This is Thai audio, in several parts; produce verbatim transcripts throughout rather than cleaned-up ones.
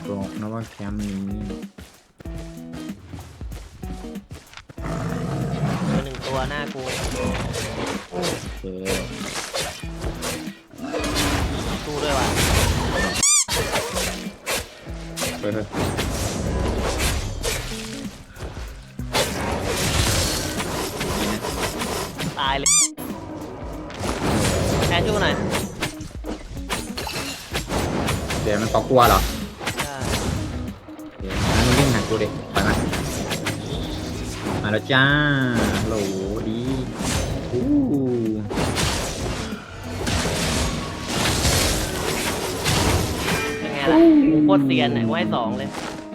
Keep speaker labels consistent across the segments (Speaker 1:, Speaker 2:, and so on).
Speaker 1: บอกนะว่าแคมป์นี้
Speaker 2: ตัวหนึ่งตัวหน้ากู
Speaker 1: โอเค
Speaker 2: สู้ด้วยว่ะ
Speaker 1: เปิด
Speaker 2: ตายเลยแอนช่วยกูหน่อย
Speaker 1: เดี๋ยวมันตอกกลัวเหรอ
Speaker 2: ใช่
Speaker 1: เดี๋ยวงั้นมึงวิ่งหากูดิไปมามาแล้วจ้าโหลดีอู้
Speaker 2: ยังไงล่ะกูโคตรเซียนเนี่ยกูให้สองเลย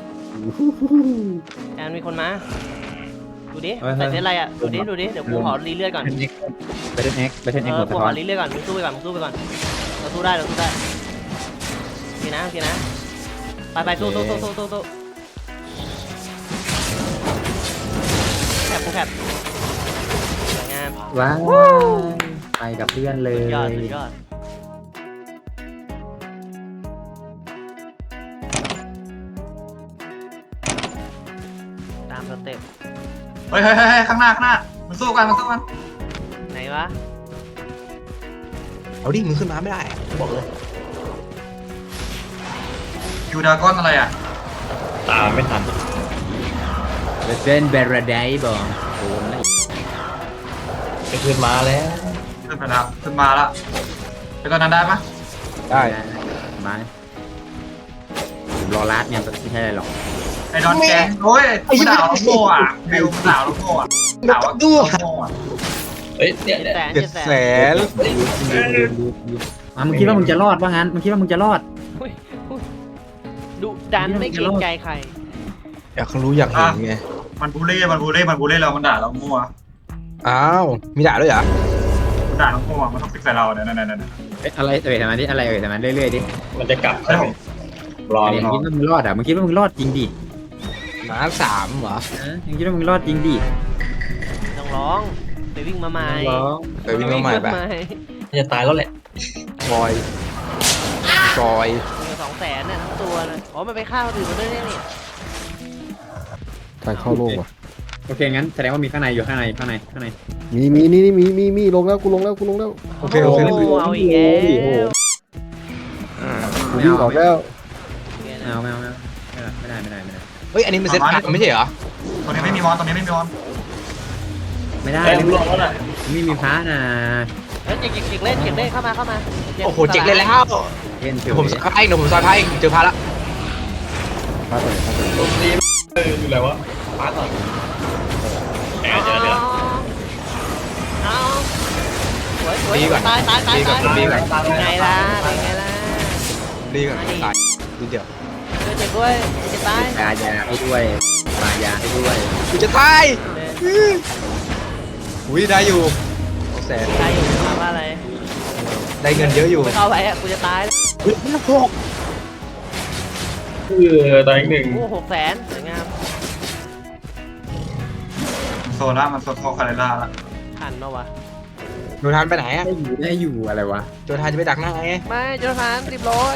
Speaker 2: แอนมีคนมาดูดิใส่เซตอะไรอ่ะดูดิดูดิเดี๋ยวกูขอรีเลือดก่อน
Speaker 1: ไปเทนเอ็กไปเทน
Speaker 2: เอ
Speaker 1: เอ็ก
Speaker 2: อ
Speaker 1: หัว
Speaker 2: กู
Speaker 1: สะ
Speaker 2: ข
Speaker 1: ท้อ
Speaker 2: อน รีเลือดก่อนมึงสู้ไปก่อนมึงสู้ไปก่อนเราสู้ได้เราสู้ได้โอเคนะโอเคนะไปไปสู้สู้สู้สู้สู้สู้แคบกูแคบสวยงาม
Speaker 1: ว้าวไปกับเพื่อนเลย
Speaker 2: สุดยอดสุดยอดตามสเต็ป
Speaker 3: เฮ้ยเฮ้ยเฮ้ยข้างหน้าข้างหน้ามันสู้กันมันสู้กัน
Speaker 2: ไหนวะ
Speaker 4: เอาดิมึงขึ้นมาไม่ได้บอกเลย
Speaker 3: ยูดากอนอะไรอ่ะ
Speaker 5: ตามไม่ทัน
Speaker 1: เลเซนเบรดไดบอกโดนแล้ว
Speaker 5: จะขึ้นมาแล้ว
Speaker 3: ขึ้นไปแล้วขึ้นมาแล้วไปตอนนั้นได้ปะ
Speaker 4: ได้
Speaker 1: มาผมรอลัดเนี่ยไม่ใช่อะไรหรอก
Speaker 3: ไอ้ดอนแกงโอ้ยมันด่าเราโง่อ่ะวิวมันด่าเราโง่อ่ะด่าว่าโง่อ่ะ
Speaker 5: เฮ้ยเนี่ย
Speaker 2: เจ็ด
Speaker 5: เนี่ย
Speaker 2: แสน
Speaker 4: เจ็
Speaker 2: เจ็
Speaker 4: ด
Speaker 2: ดแส
Speaker 4: แส
Speaker 2: น
Speaker 4: น
Speaker 1: อ่ะมึงคิดว่ามึงจะรอดว่างั้นมึงคิดว่ามึงจะรอด
Speaker 2: อุ้ยอุ้ยดุดันไม่เกรงใจใคร
Speaker 4: อยากรู้อยากเห็นไง
Speaker 3: มันบูลลี่มันบูลลี่มันบูลลี่เรามันด่าเราโง่อ่ะ
Speaker 4: อ้าวมีด่าด้วยเหรอ
Speaker 3: มันด่าเราโง่อ่ะมันต้องฟิกใส่เราเนี่ยนั่นนั่นนั่น
Speaker 1: เอ๊ะอะไรเอ่ยทำไมดิอะไรเอ่ยทำไมเรื่อยๆดิ
Speaker 5: มันจะกลับใช่ไหมรอ
Speaker 1: มึง
Speaker 5: รอ
Speaker 1: คิดว่ามึงรอดอ่ะมึงคิดว่ามึงรอดจริงดิ
Speaker 4: หมาสามเหรอ
Speaker 1: ฮะมึงคิดว่ามึงรอดจริงดิ
Speaker 2: ต้องร้องไปวิ่งมาใหม่
Speaker 1: ร้อง
Speaker 4: ไปวิ่งมาใหม่ไป
Speaker 5: จะตายแล้วแหละ
Speaker 4: จอยจอย
Speaker 2: สองแสนเนี่ยทั้งตัวเลยอ๋อมันไปฆ่าคนอื่นมาด้วยเนี่ยนี่
Speaker 6: ทางเข้าโลกว่ะ
Speaker 1: โอเคงั้นแสดงว่ามีข้างในอยู่ข้างในข้างในข้างใน
Speaker 6: มีมีนี่นี่มีมีมีลงแล้วกูลงแล้วกูลงแล้ว
Speaker 4: โอเคโอเค
Speaker 2: โอ้เอาอีกแล้ว
Speaker 6: กูวิ่งออกแล้ว
Speaker 1: ไม่เอาไม่เอาไม่เอาไม่ได้ไม่ได้ไม่ได้
Speaker 4: เฮ้ยอันนี้มันเซ็ตการ์ดไม่ใช่เหรอ
Speaker 3: ตอนนี้ไม่มีมอนตอนนี้ไม่มีมอน
Speaker 1: ไม่ได้
Speaker 5: ไอ้
Speaker 1: ไม่
Speaker 5: ลูก
Speaker 1: ได้
Speaker 5: แล้วน่ะ
Speaker 1: ไม่มีพระนะ
Speaker 2: เฮ้ยเจ็กเจ็กเจ็กเล่นเจ็กเล่นเข้ามาเข้ามา
Speaker 4: โอ้โหเจ็กเลยแล้ว
Speaker 1: เล่นเถ
Speaker 4: เดี๋ยว
Speaker 1: อะ
Speaker 4: ผมซอยไพ่เดี๋ยวผมซอยไพ่เจอพาละ
Speaker 6: พาไปพาไป
Speaker 5: ตรงนี้เอออยู่ไหนวะปาร์ตก่อนแอบเจอเดี๋ยว
Speaker 2: เอาสวยสวยตายตายตายตายไงล่ะไงล่ะ
Speaker 4: ดีก่อนตายนิดเดียว
Speaker 2: ช่วยเจ็กด้วยจะตาย
Speaker 1: ยายาให้ด้วยมายาให้ด้วย
Speaker 4: กูจะตายอุ้ยได้อยู่สองแสน
Speaker 2: ตายอยู่มาว่าอะไร
Speaker 4: ได้เงินเยอะอยู่
Speaker 2: ไม่เข้าไปอ่ะกูจะตาย
Speaker 4: เฮ้ยหก
Speaker 5: คือตอนอีกหนึ่ง
Speaker 2: โอ้หกแสนสวยงาม
Speaker 3: โซล่ามันโซโคคาเรล่าละ
Speaker 2: ทันเนาะวะ
Speaker 4: โจทานไปไหนอะ
Speaker 1: ได้อยู่ได้อยู่อะไรวะ
Speaker 4: โจทานจะไปดักหน้าไง
Speaker 2: ไม่จนทันสิบร้อย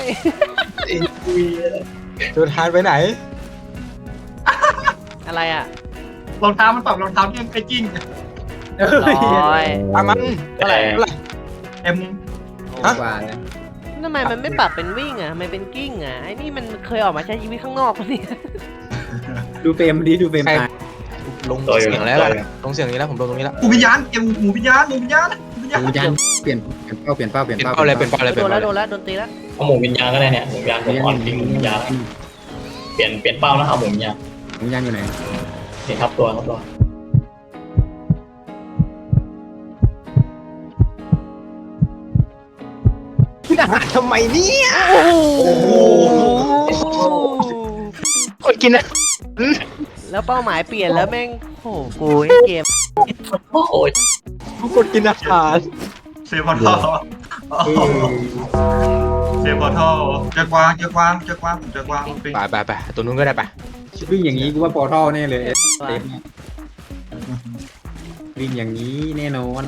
Speaker 4: โจทานไปไหน
Speaker 2: อะไรอ่ะ
Speaker 3: รองเท้ามันปรับรองเท้าที่ไอ้กิ้ง
Speaker 2: ร้อย
Speaker 4: อามัน
Speaker 5: เท่าไหร่
Speaker 4: เท่าไหร่
Speaker 3: เอ็ม
Speaker 4: ฮะ
Speaker 1: กว่าเลย
Speaker 2: ทำไมมันไม่ปรับเป็นวิ่งอ่ะทำไมเป็นกิ้งอ่ะไอ้นี่มันเคยออกมาใช้ชีวิตข้างนอกปะเนี่ย
Speaker 1: ดูเฟรมดีดูเฟรมตาย
Speaker 4: ลงเสียงแล้วลงเสียงนี้แล้วผมลงตรงนี้แล้ว
Speaker 3: หมูวิญญาณเอ็มหมูวิญญาณหมูวิญญาณหมูวิญญาณ
Speaker 1: ดูยันเปลี่ยนเปลี่ยนเป้าเปลี่ยนเป้าเปลี่ยน
Speaker 4: เป็น
Speaker 1: เป้า
Speaker 4: เป้าอะไรเป็นเป้าอะไร
Speaker 2: โด
Speaker 4: เป็น
Speaker 2: นแล้
Speaker 4: เป้าว อะไร
Speaker 2: โดนแล้วโดนตีแล้ว
Speaker 5: เอาหมูวิญญาณก็ได้เนี่ยหมูวิญญาณผมอ่อนจริงหมูวิญญาณเปลี่ยนเปลี่ยนเป้าแล้วเอาหมูวิญญาณ
Speaker 1: ดูยันอยู่ไหน
Speaker 5: นี่ครับตัวครับตัว
Speaker 4: ขึ้นอาหารทำไมเนี่ย
Speaker 2: โอ้โห
Speaker 4: คนกินนะ
Speaker 2: แล้วเป้าหมายเปลี่ยนแล้วแม่งโอ้โหกูเกม
Speaker 5: โอ้ย
Speaker 4: คนกินอาหาร
Speaker 3: เซฟพอร์ทัลเซฟพอร์ทัลเจอกวางเจอกวางเจอกวางผมเจอกวางปิง
Speaker 4: ไปไปไปตัวนู้นก็ได้ไป
Speaker 1: วิ่งอย่างนี้กูว่าปอร์ทัลแน่เลยเต็มวิ่งอย่างนี้แน่นอน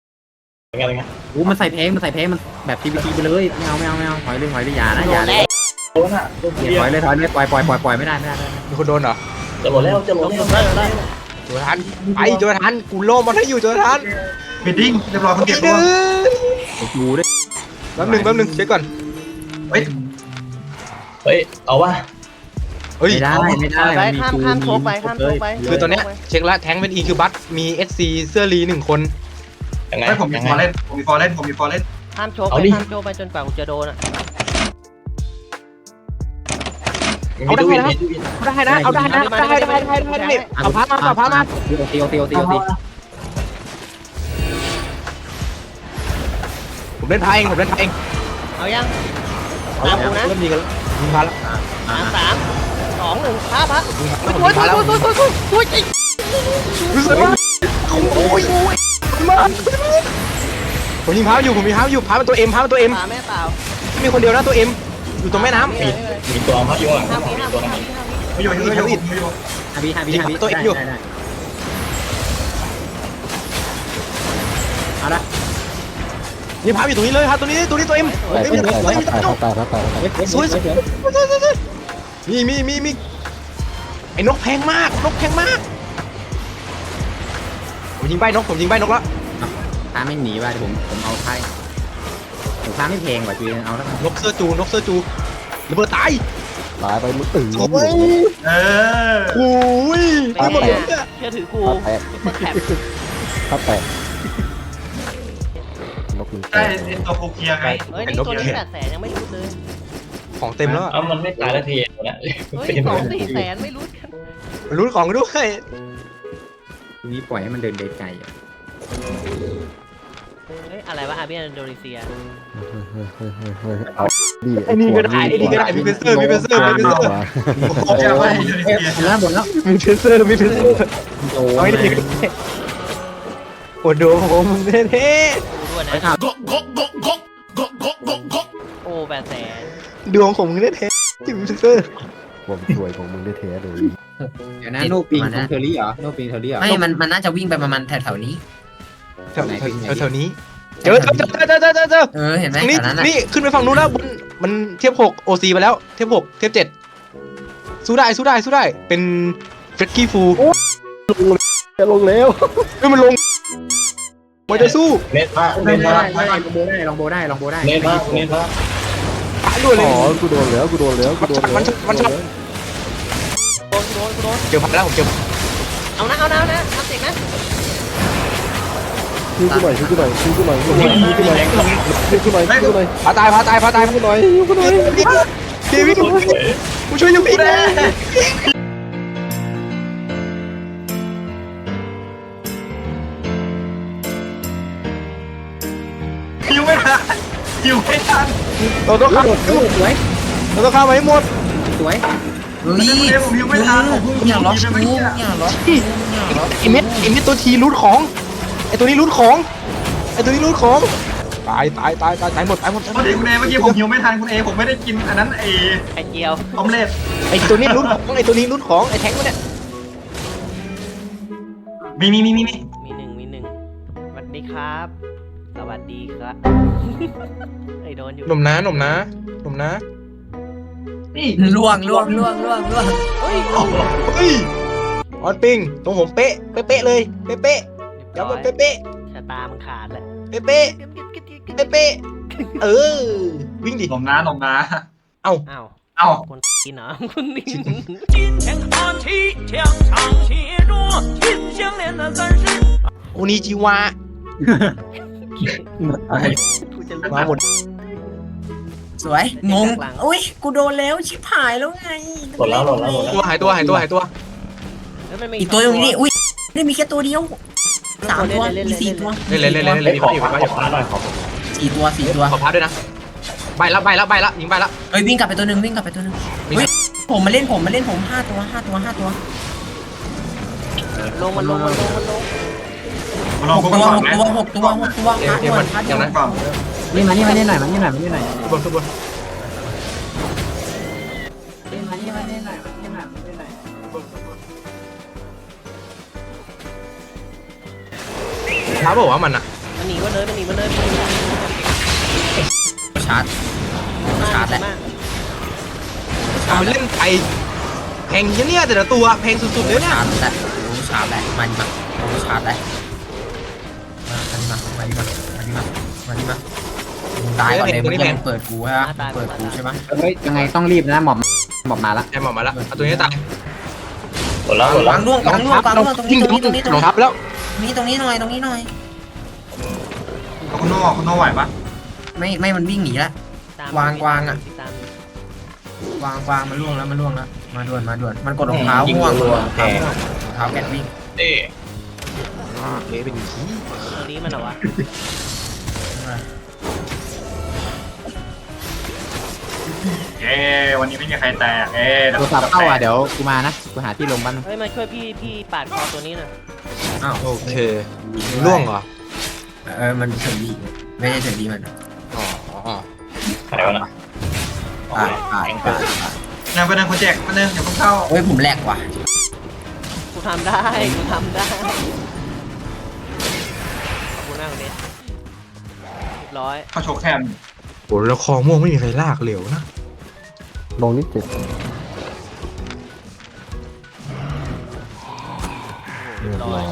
Speaker 5: เป็นไงเป็นไง
Speaker 1: โอ้มันใส่เพลงมันใส่เพลงมันแบบทีวีทีไปเลยไม่เอาไม่เอาไม่เอาถอยเลยถอยเลยอย่านะอย่าเลย
Speaker 5: โดนอ่ะโดน
Speaker 1: อย่า
Speaker 5: เบีย
Speaker 1: ถอย
Speaker 5: ร์
Speaker 1: เลยถอยเลยปล่อยปล่อยปล่อยปล่อยไม่ได้ไม่ได้ไม่ได้
Speaker 4: มีคนโดนเหรอ
Speaker 5: จะหมดแล้วจะหม
Speaker 2: ล
Speaker 5: ด
Speaker 2: ง
Speaker 5: แล้ว
Speaker 2: ได้ลงได้
Speaker 4: โจทันไปโจทันกูโล่มันให้อยู่โจทัน
Speaker 3: มิดดิ้งเรียบร้อยคุณ
Speaker 4: ไป
Speaker 3: เก็บ
Speaker 4: เด้
Speaker 3: ตัว
Speaker 4: อ
Speaker 1: ดูด้วย
Speaker 4: แป๊บหนึงแป๊บหนึงเช็คก่อน
Speaker 3: เฮ้ย
Speaker 5: เฮ้ยเอาวะ
Speaker 4: เฮ้ย
Speaker 1: ไม่ได้ไม่ได้
Speaker 2: ไป
Speaker 1: น
Speaker 2: ข้ามข้ามโชกไปข้ามโชกไป
Speaker 4: คือตอนเนี้ยเช็คละแทงเป็นอีคิวบัตมีเอสซีเสื้อรีหนึ่งคน
Speaker 5: ยังไง
Speaker 3: เฮ้ยผมมี
Speaker 5: ยัง
Speaker 3: ฟอร์
Speaker 5: ไง
Speaker 3: เล่นผมมีฟอร์เล่นผมมีฟอร์เล่น
Speaker 2: ข้ามโชกไป
Speaker 5: เอาดิ
Speaker 2: ข้ามโชกไปจนกว่ากูจะโดนอ่ะ
Speaker 5: มีดูวินมีดูวิน
Speaker 4: ได้นะเอาได้นะได้ได้ได้ได้ได้เอาพามาเอาพามา
Speaker 1: ตีตีตีตีตี
Speaker 4: ผมเล่นพาเองผมเล่นพาเอง
Speaker 2: เอายังตามกูนะ
Speaker 4: เริ่มยิงกันยิงพาแล้ว
Speaker 2: สามสามสองหนึ่งพาพา
Speaker 4: ผม
Speaker 2: โอ้ย
Speaker 4: พาแล้ว
Speaker 2: โอ้ยโอ้ยโอ้ยโอ้ยโอ้ยไอ้
Speaker 4: รู้สึกว่าโอ้ยมาผมยิงพาอยู่ผมยิงพาอยู่พาเป็นตัวเอ็มพาเป็นตัวเอ็ม
Speaker 2: พาแม่เปล่า
Speaker 4: มีคนเดียวนะตัวเอ็มอยู่ตรงแม่น้ำ
Speaker 2: ไม่เลยไม่เลย
Speaker 5: มีตัวเอาพายุอ่ะ
Speaker 2: ห้าวิ
Speaker 5: มี
Speaker 2: ห้า
Speaker 5: ตั
Speaker 2: วิ
Speaker 5: ว
Speaker 2: ห้า
Speaker 5: นั้น
Speaker 2: วิห้าวิ
Speaker 3: ไม่อยู่ไม่อยู่ไม่อยู่ไม่อยู่
Speaker 1: ฮาบีฮาบีฮาบีเอาละ
Speaker 4: นี่พาอยู่ตรงนี้เลยพาตัวนี้ตัวนี้ตัวเอ็ม
Speaker 6: ตายตายตายตายตายตายตาย
Speaker 4: สวยสวยมีมีมีมีไอ้นกแพงมากนกแพงมากผมยิงใบนกผมยิงใบนกแล้ว
Speaker 1: พาไม่หนีว่ะเดี๋ยวผมผมเอาไพ่ผมพาไม่เพลงว่ะจุยเอาแล้วกัน
Speaker 4: นกเสื้อจูนกเสื้อจูระเบิดตาย
Speaker 6: ตายไปมึงตื่น
Speaker 4: โอ้ย
Speaker 3: เออ
Speaker 4: โอ้ย
Speaker 2: เป็น
Speaker 4: ระ
Speaker 2: ไง
Speaker 4: เบิด
Speaker 2: อะเชื่อถือกู
Speaker 6: ถ้าแตก
Speaker 2: ซุปเปอร์แคป
Speaker 6: ถ้าแตกนกมึงแต
Speaker 3: ได้
Speaker 6: ก
Speaker 3: ไอ้ตัวโคเคียไง
Speaker 2: เฮ้ยนี่ตัวนี้แปดแสนยังไม่รู้เลย
Speaker 4: ของเต็มแล้ว
Speaker 5: เอ้ามันไม่ตายแล้วทีตัวนี้
Speaker 2: เฮ้ยสองสี่แสนไม่รู้กัน
Speaker 4: รู้ของกันด้วย
Speaker 1: ทีนี้ปล่อยให้มันเดินไกลๆอ่ะ
Speaker 2: เฮ้ยอะไรวะอาเบียนอินโดนีเซีย
Speaker 6: เอาดิ
Speaker 4: ไอ้นี่ก็ได้ไอ้นี่ก็ได้มีเพนเซอร์มีเพนเซอร์มีเพนเซอร์
Speaker 3: เชื่อว่าอินโดนี
Speaker 1: เอ๊ะ
Speaker 3: เซีย
Speaker 1: หมดแล้วหมดแล้ว
Speaker 4: มีเพนเซอร์มีเพนเซอร์
Speaker 1: โอ้
Speaker 4: เอา
Speaker 1: ย
Speaker 4: ไอ้นี่ก็ได้โอ้ดูผมเท่
Speaker 2: กูด้วย
Speaker 1: ไป
Speaker 2: นะ
Speaker 1: ข่าว
Speaker 2: โอ้แปดแสน
Speaker 4: ๆดวงผมเท่ๆที่มีเพนเซอร์
Speaker 6: ความสวยของมึงได้แท้เลย
Speaker 1: เดี๋ยวนะโนปิงของเทอรี่เหรอโนปิงเทอรี่เหรอ
Speaker 7: ไม่ มัน มันน่าจะวิ่งไปประมาณแถวๆนี้
Speaker 4: แถวแถวนี้เจอเจอเจอเจอเจอเจอเจอ
Speaker 7: เออ เห็นไหม
Speaker 4: ตรงนี้
Speaker 7: แถวนั้นน่ะ
Speaker 4: นี่ขึ้นไปฝั่งนู้นแล้วบนมันเทียบหกโอซีไปแล้วเทียบหกเทียบเจ็ดสู้ได้สู้ได้สู้ได้เป็นเฟรดกี้ฟู
Speaker 6: จะลงแล้ว
Speaker 4: เฮ้ยมันลงมันจะสู้
Speaker 5: เน็ตมาก
Speaker 1: ได้
Speaker 5: เน็ต
Speaker 1: ได้
Speaker 5: มาก
Speaker 1: ได้ลองโบได้ลองโบได้ลองโบได้
Speaker 5: เน็ตมากเน็ตมาก
Speaker 4: ตายด้วยเล
Speaker 6: อ๋
Speaker 4: ย
Speaker 6: อกูโดนแล้วกูโดนแล้วกูโดนแล้ว
Speaker 2: โดนกูโดนกูโดน
Speaker 4: เจอพันแล้วผมเจอ
Speaker 2: เอานะเอานะเอานะทำเสร็จนะ
Speaker 6: ช่วยกูหน่อยช่วยกูหน่อยช่วยกูหน่อยช่วยกูหน่อยช่วยกูหน่อยช่วยกูหน่อยช่วยกูหน่อย
Speaker 4: พาตายพาตายพาตาย
Speaker 6: ช่วยกูหน่อยช่วยกูหน่อย
Speaker 4: เดวิดกูช่วยยูพี่นะ
Speaker 3: ยิวไม่ทันยิวไม่ทัน
Speaker 4: เราต้องฆ่า
Speaker 1: สวย
Speaker 4: เราต้องฆ่ามาให้หมด
Speaker 1: สวย
Speaker 7: เฮ้ย
Speaker 3: เดี๋ยวผมยิวไม่ทันผมเพิ่ง
Speaker 7: อย่าล็อก
Speaker 3: ยิวไป
Speaker 7: กู
Speaker 3: เมื่อกี้
Speaker 7: อย่าล็อกอย่าล็อก
Speaker 4: ไอเม็ดไอเม็ดตัวทีรูดของไอตัวนี้รูดของไอตัวนี้รูดของตายตายตายตายตายหมดตายหมด
Speaker 3: พอดีคุณเอเมื่อกี้ผมยิวไม่ทันคุณเอผมไม่ได้กินอันนั้นไอ้
Speaker 2: ไข่เจียว
Speaker 3: ออมเล็ต
Speaker 4: ไอตัวนี้รูดของไอตัวนี้รูดของไอแทงมันเนี่ย
Speaker 3: มีมีมีมีมี
Speaker 2: มีหนึ่งมีหนึ่งสวัสดีครับ สวัสดีครับ ไอ้โดนอยู่
Speaker 4: หนุ่มนะหนุ่มนะหนุ่มนะ
Speaker 3: นี่
Speaker 7: ล่วงล่วงล่วงล่วงล่วง
Speaker 2: เฮ้ย
Speaker 4: เฮ้ยออนปิงตรงผมเป๊ะเป๊ะเลยเป๊ะเป๊ะย้ำว่าเป๊ะเป๊ะ
Speaker 2: ชะตามึงขาดแล้ว
Speaker 4: เป๊ะเป๊ะเป๊ะเป๊ะเออวิ่งดิ
Speaker 3: หลงน้าหลงน้า
Speaker 4: เอ้า
Speaker 2: อ้าว
Speaker 3: เอ้า
Speaker 2: คนกินเหรอคนนี่
Speaker 4: โอนิจิวะ
Speaker 2: กูจะรู้
Speaker 4: มาหมด
Speaker 7: สวย งง อุ้ย กูโดนแล้ว ชิบหายแล้วไง
Speaker 5: หมดแล้วหมดแล้วหมดแล้ว
Speaker 4: ตัวหายตัวหายตัวหายตัว
Speaker 2: แล้วมันมี
Speaker 7: อีกตัวอยู่นี่ อุ้ยได้มีแค่ตัวเดียวสามตัวมีสี่ตัว
Speaker 4: เล่นเล่นเล่นเล่นเล่น
Speaker 5: ขอ
Speaker 4: อยู่
Speaker 5: ขอ
Speaker 4: ไปอยู่
Speaker 5: ขอหน่อยขอ
Speaker 7: สี่ตัวสี่ตัว
Speaker 4: ขอพัดด้วยนะใบละใบละใบละยิงใบละ
Speaker 7: เอ้ยวิ่งกลับไปตัวหนึ่งวิ่งกลับไปตัวหนึ่งเฮ้ยผมมาเล่นผมมาเล่นผมห้าตัวห้าตัวห้าตัว
Speaker 2: ลงมันลงมันลงมันลง
Speaker 3: มาลอง
Speaker 7: หก
Speaker 3: กู
Speaker 7: ตัว
Speaker 3: ก่อน
Speaker 7: หก
Speaker 3: นะ
Speaker 7: ตัวหกตัวหกตัวพาร์ทวันพาร์ท
Speaker 3: เดี๋ยว
Speaker 7: วั
Speaker 3: นั้น นก่อน
Speaker 1: นี่มานี่มานี่หน่อยมานี่หน่อยมานี่หน่อย
Speaker 4: ขึ้นบนขึ้นบน
Speaker 1: นี่มานี่มานี่หน่อยมานี่หน่อยมานี่หน่อย
Speaker 4: ท้าบอกว่ามันอะ
Speaker 2: มันหนีมาเลยมันหนีมาเลยมันหนีมาเลย
Speaker 7: ชาร์จ ชาร์จแหละ
Speaker 2: มาก
Speaker 4: ไปเล่นไปแพงเนี่ยแต่ละตัวแพงสุดๆเลยเนี่ย
Speaker 7: ชาร์จแล้วโอ้ชาร์จแล้วมาดิมาโอ้ชาร์จแล้วมามาดิมามาดิมามาดิมามึงตายก่อนเลยมึงยังเปิดกูใช่ไหมเปิดกูใช่ไหม
Speaker 1: เฮ้ยยังไงต้องรีบนะหมอบหมอบมาละ
Speaker 4: ไอ้หมอมาแล้วเอาตัวนี้ตาย
Speaker 5: หมดแล้วหมดแล้ว
Speaker 7: วางล่วงวางล่วงวางล่วงตรงนี้ตรงนี้ตรงนี้ตรง
Speaker 4: รอ
Speaker 7: นี้
Speaker 4: ทับแล้ว
Speaker 7: ตรงนี้ตรงนี้หน่อยตรงนี้หน่อย
Speaker 3: คุณโน่คุณโน่ไหวปะ
Speaker 7: ไม่ไม่มันวิ่งหนีแล้ว
Speaker 2: ตาม
Speaker 7: วางวางอะ
Speaker 2: ตาม
Speaker 7: วางวางมันล่วงแล้วมันล่วงแล้วมาด่วนมาด่วนมันกดรองเท้าม่วงรองเท้าม่วงรองเท้าแกะวิ่ง
Speaker 5: เอ๊ะ
Speaker 4: เอ๊ะเป็นขี้
Speaker 2: ตัวนี้มันเหรอวะ
Speaker 3: เอ้วันนี้ไม่มีใครแตกเอ้
Speaker 1: โทรศัพท์เข้าอ่ะเดี๋ยวกูมานะกูหาที่ลงบ้าน
Speaker 2: เฮ้ยมาช่วยพี่พี่ปาดคอตัวนี้หน่อย
Speaker 7: อ้าว
Speaker 4: โอเคล่วงเหรอ
Speaker 7: เออมันถึงดีไม่ใช่ถึงดีมัน
Speaker 4: อ๋อ
Speaker 5: ใครวะน่ะ
Speaker 7: ปาดปาดปาดปาด
Speaker 3: นั่งไปนั่งคนแจกมาเนึงอย่าเพิ่งเข้า
Speaker 7: เฮ้ยผมแหลกว่ะ
Speaker 2: กูทำได้กูทำได้ขอบคุณมากเลยเรียบร้อย
Speaker 3: เข้าโชว์แคม
Speaker 4: โหแล้วคอม่วงไม่มีใครลากเหลวนะ
Speaker 6: ลงนิดเจ็ด
Speaker 2: เรียบร้อย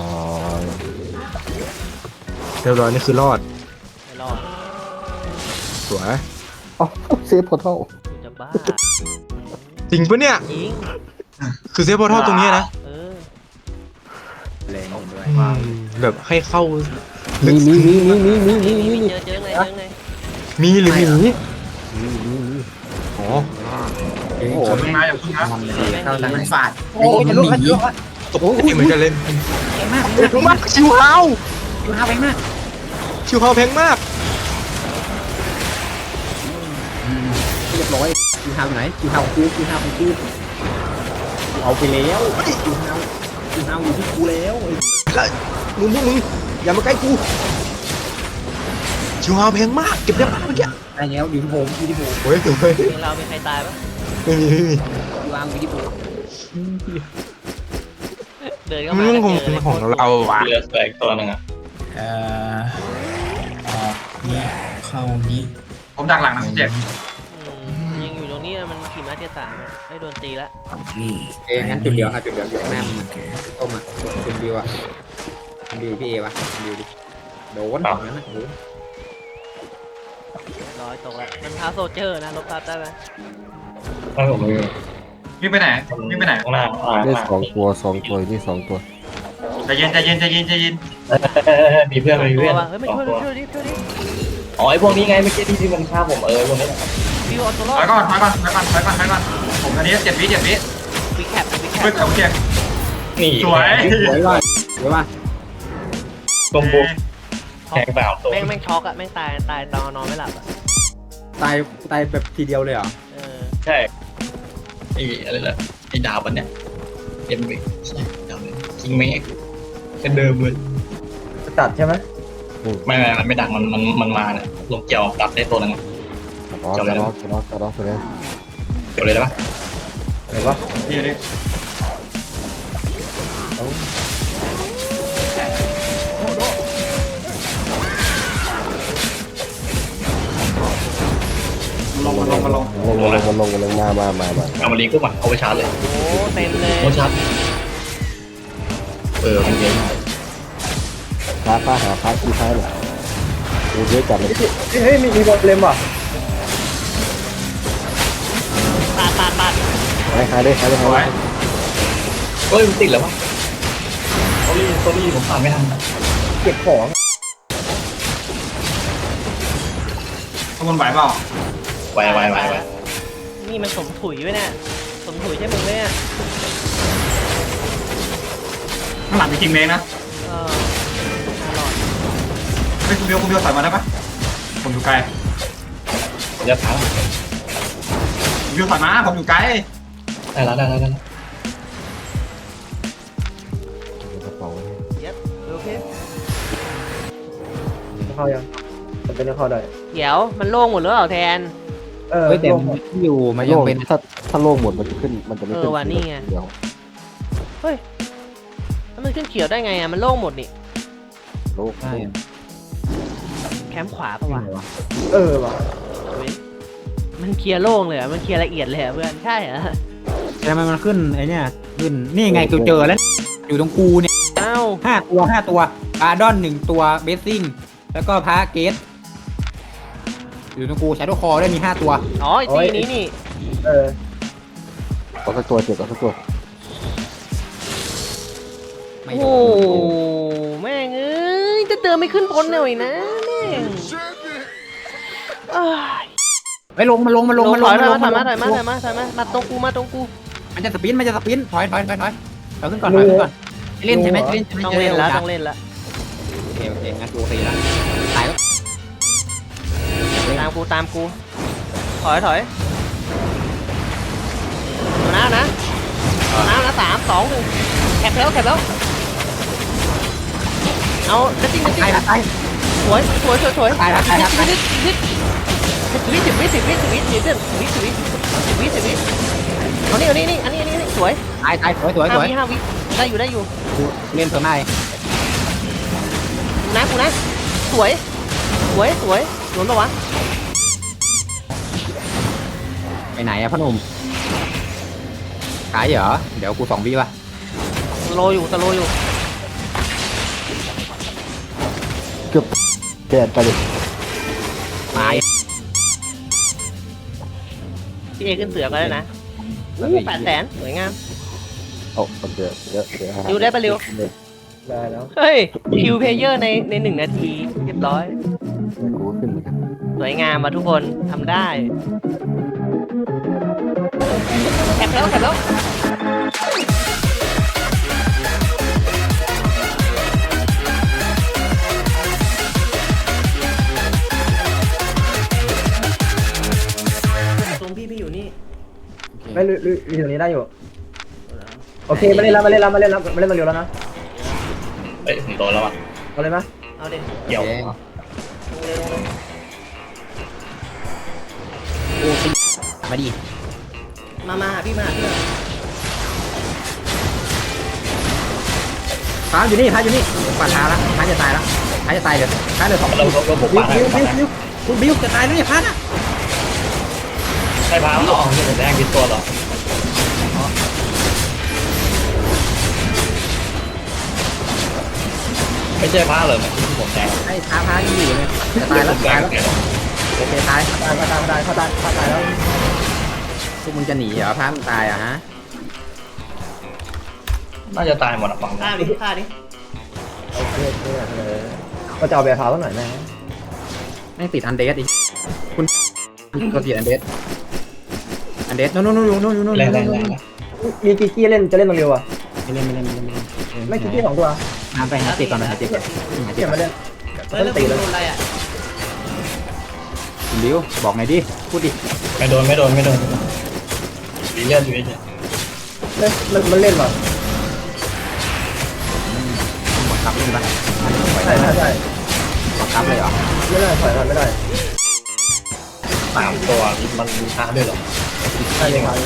Speaker 4: เรียบร้อยนี่คือรอด
Speaker 2: ไม่รอด
Speaker 4: สวย
Speaker 6: อ๋อเซฟพอร์ทัล
Speaker 2: กูจะบ้า
Speaker 4: จริงปะเนี่ย
Speaker 2: ยิง
Speaker 4: คือเซฟพอร์ทัลตรงนี้นะ
Speaker 2: เออ
Speaker 1: แรงด้วย
Speaker 4: อืมแบบให้เข้า
Speaker 6: มีมีมีมีมีมีมีมีมี
Speaker 2: เจอเจอไงเจอไง
Speaker 4: มีหรือหมี
Speaker 6: มีมีมี
Speaker 4: อ๋อ
Speaker 1: โอ้โห
Speaker 3: อย่าเพิ่งนะอย่าเพิ่งนะ
Speaker 1: ทำเลย
Speaker 7: เข้าทางนั้นฟาด
Speaker 1: โอ้ย
Speaker 7: มัน
Speaker 1: ลูก
Speaker 7: หนี
Speaker 1: ลูก
Speaker 4: ตกใจเหมือนกันเล่น
Speaker 1: เก่งมาก
Speaker 4: แพงมากชิวเฮา
Speaker 1: ดูฮาไปมาก
Speaker 4: ชิวเฮาแพงมาก
Speaker 1: เรียบร้อยดูฮาอยู่ไหนดูฮาของกูดูฮาของกูกูเอาไปแล้วดูฮาดูฮาอยู่ที่กูแล้ว
Speaker 4: แล้วมึงพวกมึงอย่ามาใกล้กูชิวเฮาแพงมากเก็บได้ปะเมื่อกี้
Speaker 1: ได้แล้วอยู่ที่ผมอยู่ที่ผม
Speaker 4: โอ้ยเฮ้ย
Speaker 2: เมืองเรามีใครตายปะ
Speaker 4: ไม่มีไม่มี
Speaker 1: ดูฮาอยู่ที่ผม
Speaker 2: เดินเข้า
Speaker 4: มั
Speaker 2: มาน
Speaker 4: เรื่องของ
Speaker 2: เจอเลย
Speaker 4: ของเราวะ
Speaker 5: เรือแตกตัวหนึงอ่ะ
Speaker 7: เอ่อออกนี่เข้านี่
Speaker 3: ผมดักหลังนะคุณแจก
Speaker 2: อืมยังอยู่ตรงนี้อะมันขี่ม้าเทียสามอะไอ้โดนตีละ
Speaker 7: นี่
Speaker 1: เอ้งั้นจุดเดียวครับจุดเดียวอยู่ข้างหน้ามันต้มอ่ะจุดเดียวอ่ะดิวพี่เอวะดิวดิโดนอย่างนั้นนะโดน
Speaker 2: ร้อยตกละมันเท้าโซลเจอร์นะลบทับได้ไหม
Speaker 5: ไม่ผมไม่รู้
Speaker 3: วิ่งไปไหนวิ่งไปไหน
Speaker 5: ข้างหน้าอ่า
Speaker 6: ได้สองตัวสองตัวนี่สองตัว
Speaker 3: ใจเย็นใจเย็นใจเย็นใจเย็น
Speaker 5: เออเออเออมีเพื่อนมี
Speaker 2: ตั
Speaker 5: เพื่
Speaker 2: ว
Speaker 5: อน
Speaker 2: ว่ะเฮ้ยไม่ช่วย
Speaker 5: สอง
Speaker 2: ช่
Speaker 5: ตัว
Speaker 2: วยดิช่วยดิ
Speaker 5: อ๋อไอพวกนี้ไงเมื่อกี้ที่ที่มันฆ่าผมเออพวกนี้แหละ
Speaker 2: วิวเอาตัวรอ
Speaker 3: ถ
Speaker 2: ด
Speaker 3: อยก่อนถอยก่อนถอยก่อนถอยก่อนถอยก่อนผมอันนี้เจ็ดวิเจ็ดวิ
Speaker 2: วิแคปวิแค
Speaker 3: เฮ้ย
Speaker 2: ป
Speaker 3: คุณแจก
Speaker 5: นี่
Speaker 3: สวย
Speaker 1: สวยว่ะสวยว่ะ
Speaker 5: กลมบุกแทงเปล่าตัว
Speaker 2: แม่งแม่งช็อกอะแม่งตายตายตอนนอนไม่หลับอะ
Speaker 1: ตายตายแบบทีเดียวเลยเหรอ
Speaker 2: เออ
Speaker 5: ใช่ไอ้อะไรล่ะไอ้ดาบอันเนี้ยเอ็มวีใช่ดาบคิงเมกเป็นเดิมเลย
Speaker 6: ตัดใช่ไหม
Speaker 5: ไม่ไม่มันไม่ดังมันมันมันมาเนี่ยลงเกี่ยวดับได้ตัวหนึงอะ
Speaker 6: อ๋อจะล็อกจะล็อกจะล็อกไปเลย
Speaker 5: เกี่ยวเลยได้ปะ
Speaker 6: เห็นปะ
Speaker 3: ดีดิ ลงมาลงมาลง
Speaker 6: ลงลงลงลงลงมามามามา
Speaker 5: เอามาลีขึ้นมาเอาไปชาร์จเลย
Speaker 2: โอ้เต็มเลย
Speaker 5: โอ้ชาร์จเออมันเยอะ
Speaker 6: พาป้าหาพาที่ท้ายหน่อยดูเยอะจัดเลยเฮ้ยมีมีบอลเลมว่ะ
Speaker 2: ปาดปาดปาด
Speaker 6: หายหายได้หายได้
Speaker 3: ส
Speaker 6: หา
Speaker 3: วย
Speaker 6: ย
Speaker 5: เฮ้ยมันติดแล้วปะโอ้ยโซลี่ผมผ่านไม่ทัน
Speaker 6: เก็บของ
Speaker 3: ขบวนไหวเปล่า
Speaker 5: ไวไวไวไว
Speaker 2: นี่มันสมถุยไว้เนี่ยสมถุยใช่มึงไหมเนี่ย
Speaker 3: ข้างหลังมีคิงเมกนะ
Speaker 2: เออน่ารอด
Speaker 3: เฮ้ยคุณเบลคุณเบลถอยมาได้ปะผมอยู่ไกล
Speaker 5: ผมจะผ่าน
Speaker 3: คุณเบลถอยมาผมอยู่ไกล
Speaker 5: ได้แล้วได้แล้วได้แล้ว
Speaker 6: กระเป๋า
Speaker 2: เย็บโอเค
Speaker 6: เข้ายังจะเป็นเข้าได้
Speaker 2: เดี๋ยวมันโล่งหมดแล้วเหรอแทน
Speaker 6: เออ
Speaker 1: เฮ้ยแต่มันอยู่มายังเป็น
Speaker 6: ถ้าถ้าโล่งหมดมันจะขึ้นมันจะไม่ขึ้น
Speaker 2: เออว่ะนี่ไง
Speaker 6: เดี๋ยว
Speaker 2: เฮ้ยแล้วมันขึ้นเขียวได้ไงอะมันโล่งหมดนี่
Speaker 6: โล่ง
Speaker 1: ใช่
Speaker 2: แคมป์ขวาปะวะ
Speaker 6: เออว่ะ
Speaker 2: เว้ย
Speaker 1: ไม่
Speaker 2: มันเคลียร์โล่งเลยอะมันเคลียร์ละเอียดเลยอะเพื่อนใช่เหรอ
Speaker 1: ทำไมมันขึ้นไอเนี่ยขึ้นนี่ไงกูเจอแล้วอยู่ตรงกูเนี่ย
Speaker 2: เอ้า
Speaker 1: ห้าตัวห้าตัวอาร์ดอนหนึ่งตัวเบสซิ่งแล้วก็พระเกตอยู่ตรงกูใช้ตัวคอได้มีห้าตัว
Speaker 2: อ๋อไอ้ตีนี้นี่
Speaker 6: เออเอาสักตัวเจ็บเอาสักตัว
Speaker 1: ไม่
Speaker 2: โอ้
Speaker 1: โด
Speaker 2: โห
Speaker 1: น
Speaker 2: แม่งเอ้ยจะเติมไม่ขึ้นบนหน่อยนะแม่งเอ้ย
Speaker 1: ไปลงมาลงมาลงมาล
Speaker 2: ถ
Speaker 1: ง
Speaker 2: อย
Speaker 1: มาล
Speaker 2: มาง ถอยมาถอยมา
Speaker 1: ล
Speaker 2: ถอง ยมาถอยมามาตรงกูมาตรงกู
Speaker 1: มันจะสปินมันจะสปินถอยถอยถอยถอยถอยขึ้นก่อนถอยขึ้นก่อนเล่นใช่ไหมเล่นใช่ไหม
Speaker 2: ต้องเล่นแล้วต้องเล่นแล้ว
Speaker 1: โอเคโอเคงั้นกูโอเคแล้วตายแล้ว
Speaker 2: ตามกูตามกูถอยถอยเอานะนะเอานะนะสามสองหนึ่งแคปแล้วแคปแล้วเอาจะจริงจะจริง
Speaker 1: ตายแล้วตาย
Speaker 2: สวยสวยสวยสวย
Speaker 1: ตายแล้วตายแล้วตายแล้ว
Speaker 2: สิบวิสิบวิสิบวิสิบวิสิบวิสิบวิสิบวิสิบวิสิบวิเอานี่เอานี่นี่อันนี้อันนี้อันนี้สวย
Speaker 1: ตายตายสวยสวยส
Speaker 2: ห้า
Speaker 1: วย
Speaker 2: วิห้าวิได้อยู่ได้อยู่
Speaker 1: กูเล่นเสริมได้
Speaker 2: กูนะกูนะสวยสวยสวยโดนปะวะ
Speaker 1: ไปไหนอะพ่อหนุ่มขายเหรอเดี๋ยวกูสองวิป่ะ
Speaker 2: สโลอยู่สโลอยู่
Speaker 6: เกือบแกนไปเลย
Speaker 1: ตาย
Speaker 2: พี่เอขึ้นเสือก็ได้นะแปดแสนสวยงาม
Speaker 6: เอาเอาเดี๋ยวเดี๋ยวเดี๋ยว
Speaker 2: ริวได้ปะริว
Speaker 6: ได้แล้ว
Speaker 2: เฮ้ยคิวเพลเยอร์ในในหนึ่งนาทีเรียบร้อย
Speaker 6: กูขึ้นเหมือนกัน
Speaker 2: สวยงามมาทุกคนทำได้แคปแล้วแคปแล้วตรงพี่พี่อยู่นี่
Speaker 6: ไม่ลุยลุยลุยตรงนี้ได้อยู่โอเคมาเล่นแล้วมาเล่นแล้วมาเล่นแล้วมาเล่นมาเร็วแล้วนะ
Speaker 5: เอ้ยผมโดนแล้วอ่ะ
Speaker 6: เอาเลยไหม
Speaker 2: เอาเด็ก
Speaker 5: เกี่ยว
Speaker 2: ลงเลยลงเลย
Speaker 1: โอ้ตีมาดิ
Speaker 2: มามาหาพี่มาหาพี่มา
Speaker 1: พาอยู่นี่พาอยู่นี่ปาดท้าละพาจะตายละพาจะตายเลยพาเลยสอง
Speaker 5: เราเราเราบุก
Speaker 1: บิว
Speaker 5: ป่าให้
Speaker 1: บิวบิวบิวคุณบิวจะตายแล้วเนี่ยพาน่ะ
Speaker 5: ใช่พามันออกที่ผมแดงกินตัวหรอไม่ใช่พาเลยมันที่ผมแดง
Speaker 1: ไอ้พาพาที่อยู่เลยจะตายแล้ว
Speaker 5: แด
Speaker 1: ตาย
Speaker 5: ง
Speaker 1: แล้ว
Speaker 5: แก
Speaker 1: โอเคตาย
Speaker 6: ตายตายตายเขาตายเขาตายแล้ว
Speaker 1: พวกมึงจะหนีเหรอพามึงตายอ่ะฮะ
Speaker 5: น่าจะตายหมดอ่ะฝั่ง
Speaker 2: ฆ่า
Speaker 5: นี้
Speaker 2: ดิฆ่าดิ
Speaker 6: โอเคโอเคเลยก็จะเอาแบบเท้าสักหน่อยไหม
Speaker 1: ไม่ติดอันเดสอีกคุณก็ติดอันเดสอันเดสนู่นนู่นนู่นนู่นนู่นนู่น
Speaker 5: แรงแรงแรง
Speaker 6: มีกิกกี้เล่นจะเล่นตรงเร็วอ่ะ
Speaker 1: ไม่เล่นไม่เล่นไม่เล่นไม่เล่น
Speaker 6: ไม่กิกกี้สองตัว
Speaker 1: น้ำไปหาเจ็บก่อนหาเจ็บก่อนหาเจ็
Speaker 6: เก็
Speaker 1: บบ ก่อ
Speaker 6: มาน เล่น
Speaker 2: เฮ้ยแล้วกูโดนอะไรอ่ะ
Speaker 1: คุณบิวบอกหน่อยดิพูดดิ
Speaker 5: ไม่โดนไม่โดนไม่โดนดีเลือดอยู่เฉย
Speaker 6: เล่นมันเล่นว่ะ
Speaker 1: หมดครับเล่นปะปล่อย
Speaker 6: ใช่
Speaker 1: ได้
Speaker 6: ใช่
Speaker 1: หมดครับเลยเหรอ
Speaker 6: ไม่ได้ถอยไม่ได้
Speaker 5: สามตัวมันมีช้าด้วยหรอ
Speaker 6: ใช่เลยครับ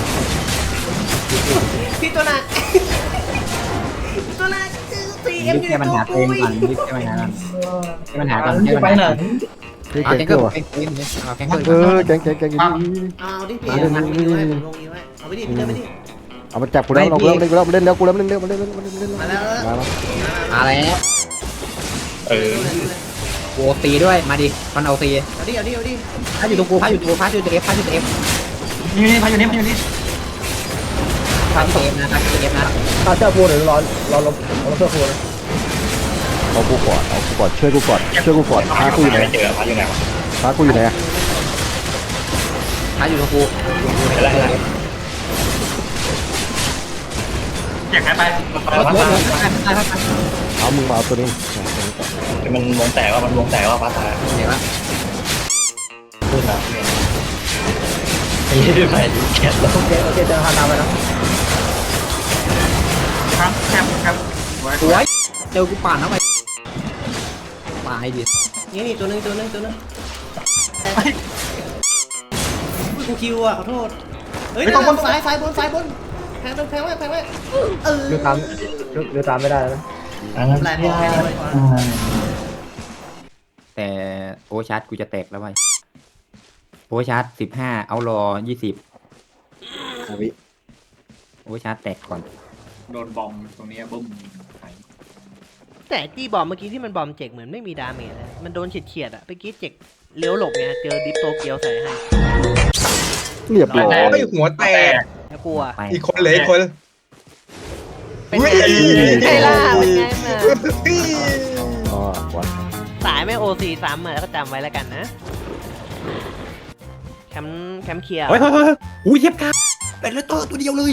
Speaker 2: พี่ตัวหนักตัวหนักสี่เอ็ม
Speaker 1: รีบ
Speaker 2: อยู่
Speaker 1: แก้ปัญ
Speaker 2: ใน
Speaker 1: หา
Speaker 2: ตั
Speaker 1: ตัว วเอง
Speaker 2: กู
Speaker 1: ก่อนรีบแก้ปัญหาก่อนแก้ปัญหาก่อนแก้ปัญ
Speaker 5: ไป
Speaker 1: หา
Speaker 5: ไหน
Speaker 1: เอาแกงเกิลเอาแกงเกิลเอาแกงเกิล
Speaker 6: เออแกงแกงแกง
Speaker 2: เอาดิพี่เอาดิพี่ไว้ผมลงนี้ไว้เอาไปดิพี่เดินไปดิ
Speaker 6: เอามาจับกูแล้วเราเล่นกูแล้วเล่นแล้วกูแล้วเล่นเร็วมาเล่นเล่นเล่นเล่น
Speaker 2: มาแล้ว
Speaker 6: มาแล้ว
Speaker 1: มาแล้ว
Speaker 5: เออ
Speaker 1: โอตีด้วยมาดิคอนเอาตี
Speaker 2: เอาดิเอาดิเอาดิ
Speaker 1: พาอยู่ตรงกูพาอยู่ตรงกูพาอยู่ตรงเอฟพาอยู่ตรงเอฟ
Speaker 5: นี่นี่พาอยู่นี่พาอยู่นี่
Speaker 1: พาอยู่ตรงเอฟนะพาอยู่ตรงเอฟนะ
Speaker 6: ถ้าเสื้อฟูหรือร้อนร้อนลมร้อนเสื้อฟูนะเอากูก่อนเอากูก่อนช่วยกูก่อนช่วยกูก่อนพากูอยู่ไหน
Speaker 5: ไม่เจอพาอยู่ไหน
Speaker 6: พากูอยู่ไหน
Speaker 1: พาอยู่ตรงกู
Speaker 5: อะไรอะไรอยากให้ไป
Speaker 1: รถรถรถไปไปไป
Speaker 6: เอามึงมาเอาตัวนี้
Speaker 5: มันวงแตกว่ามันวงแตกว่าพาตาย
Speaker 1: เดี๋ยวละ
Speaker 5: พูดนะไอ้ยี่ไปดูแคทแล้ว
Speaker 6: โอเคโอเคจะพาตามไปนะครับ
Speaker 5: แคปแคป
Speaker 1: สวยเจอกูป่านเข้าไปตายดิ
Speaker 2: นี่นี่ตัวนึงตัวนึงตัวนึงกูคิวอ่ะขอโทษเฮ้ยบนซ้ายซ้ายบนซ้ายบนแพงแพงไว้แพงไว้เออ
Speaker 6: เรือตามเรือตามไม่ได้แล้วนะ
Speaker 2: แปลกแค่นี้ไว้ก่อน
Speaker 1: แต่โอชาร์จกูจะแตกแล้วไปโปอเวอร์ชาร์จสิบห้าเอารอยี่สิบ
Speaker 6: อาวิ
Speaker 1: โอเวอร์ชาร์จแตกก่อน
Speaker 3: โดนบอมตรงนี้บึ้มหาย
Speaker 2: แต่ตีบอมเมื่อกี้ที่มันบอมเจ็กเหมือนไม่มีดาเมจเลยมันโดนเฉียดๆอ่ะเมื่อกี้เจ็กเลี้ยวหลบไงเจอดิฟโตเกียวใส่ให้
Speaker 6: เรียบร้อย
Speaker 4: โอ้ยหัวแตก
Speaker 2: แล้วกลัว
Speaker 1: ไป
Speaker 4: อีกคนเหลยอีกคน
Speaker 2: เป็นไงไอ้ล่าเป็นไงมา
Speaker 6: อ๋อวะ
Speaker 2: สายไม่โอซีซ้ำอะแล้วก็จำไว้แล้วกันนะแคมป์แคมป์เคลียร์
Speaker 1: เฮ้ยเฮ้ยเฮ้ยอุ้ยเทียบครับเป็นเลตเตอร์ตัวเดียวเลย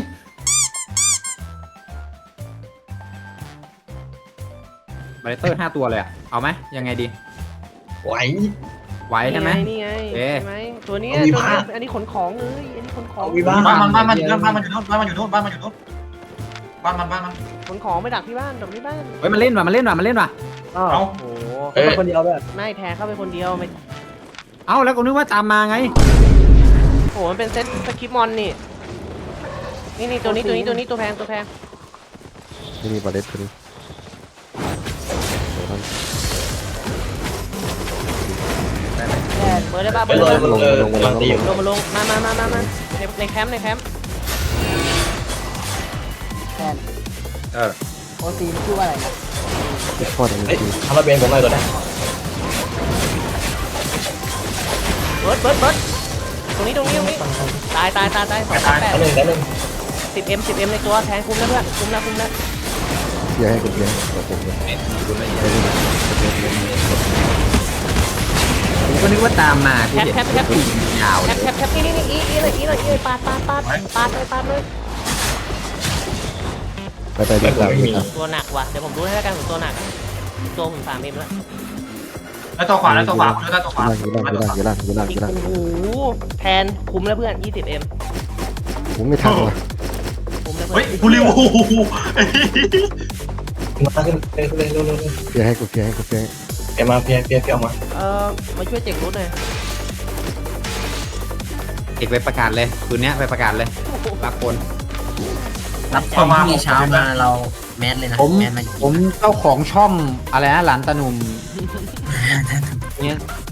Speaker 1: บาเลตเตอร์ห้าตัวเลยอะเอาไหมยังไงดี
Speaker 5: ไหว
Speaker 1: ไหวใช่ไหม
Speaker 2: นี่ไง
Speaker 1: เอ๊ะ
Speaker 2: ใช่ไหมตัวเนี้ย
Speaker 5: เอาวิ
Speaker 2: ตัว
Speaker 5: ภา
Speaker 2: เนี้ยอันนี้ขนของเลยอันนี้ขนของ
Speaker 5: วิบ้า
Speaker 3: บ้านมันบ้านมันอยู่นู่นบ้านมันอยู่นู่นบ้านมันอยู่นู่นบ้านมันอยู่นู่นบ้านมันบ้านมัน
Speaker 2: ขนของไปดักที่บ้านดักที่บ้าน
Speaker 1: เฮ้ยมันเล่นว่ะมันเล่นว่ะมันเล่นว่ะ
Speaker 6: อ้าว
Speaker 3: เอา
Speaker 2: โอ้โห
Speaker 6: เขาเป็นคนเดียวด้วย
Speaker 2: ไม่แทงเข้าไปคนเดียวไม่
Speaker 1: เอ้าแล้วก็นึกว่าตามมาไง
Speaker 2: โอ้โหมันเป็นเซตสคริปต์มอนนี่นี่นี่ตัวนี้ตัวนี้ตัวนี้ตัวแพงตัวแพง
Speaker 6: นี่มีบาเลตตัวนี้
Speaker 2: เปิดได้ป่ะ
Speaker 5: ไป
Speaker 2: เปิด
Speaker 5: เล
Speaker 2: ได้
Speaker 5: ย
Speaker 2: ป่ะ
Speaker 5: ไปเลยกำลังตีอยู่
Speaker 2: ลงมาลงมามามามามาในในแคมป์ในแคมป์
Speaker 1: เออ
Speaker 2: โอซีมันชื่อว่าอะไรนะ
Speaker 6: ไม่พอดอัน
Speaker 5: เฮ้ย
Speaker 6: นี้
Speaker 5: ทำระเบียงผมหน่อยตัวนี้
Speaker 2: เบิร์ดเบิร์ดเบิร์ดตรงนี้ตรงนี้ตรงนี้ตายตายตายตายสองสามแปด
Speaker 5: อันหนึ่งอันหนึ่ง
Speaker 2: สิบเอ็มสิบเอ็มในตัวแทงคุ้มแล้วเพื่อนคุ้มแล้วคุ้มแล้ว
Speaker 6: เพียร์ให้กูเพียร์ให้ผมเลย
Speaker 1: ผมก็นึกว่าตามมา
Speaker 2: แคปแคปแคป
Speaker 1: ยาว
Speaker 2: แค
Speaker 1: เลย
Speaker 2: ปแคปแคปนี่นี่นี่อีอีเลยอีเลยอีเลยปาดปาดปาดปาดเลยปาดเลย
Speaker 6: ไปไปดีกว่าดีกว่า
Speaker 2: ตัวหนักว่ะเดี๋ยวผมดูให้แล้วกันผมตัวหนักอะตัวผมสามเอ็มแล้ว
Speaker 3: แล้วตัวขวาแล้วตัวขวาคุณแล้วตัวขวา
Speaker 6: อยู่ล่างอยู่ล่างอยู่ล่างอยู่ล่างอ
Speaker 2: อีก
Speaker 6: ยู่ล่าง
Speaker 2: โอ้โหแทนคุ้มแล้วเพื่อนยี่สิบเอ็ม
Speaker 6: ผมไม่ทันว่ะ
Speaker 2: คุ้มแล้วเพื่
Speaker 3: เฮ้ย
Speaker 2: อน
Speaker 3: กูริวโอ้โห
Speaker 5: มาขึ้นเร็วเร็วเร็วเร็ว
Speaker 6: เพียร์ให้กูเพียร์ให้กูเพียร์ให้
Speaker 5: เพียมาเพียเพียเพียออกมา
Speaker 2: เออมาช่วยเจ็กรุดหน่อย
Speaker 1: เอกไปประกาศเลยคืนนี้ไปประกาศเลยรับคน
Speaker 7: รับคนพรุ่งนี้เช้ามาเราแมสเลยนะ
Speaker 1: ผม
Speaker 7: แมสมา
Speaker 1: ผมเจ้าของช่องอะไรนะหลานตาหนุ่มเนี่ย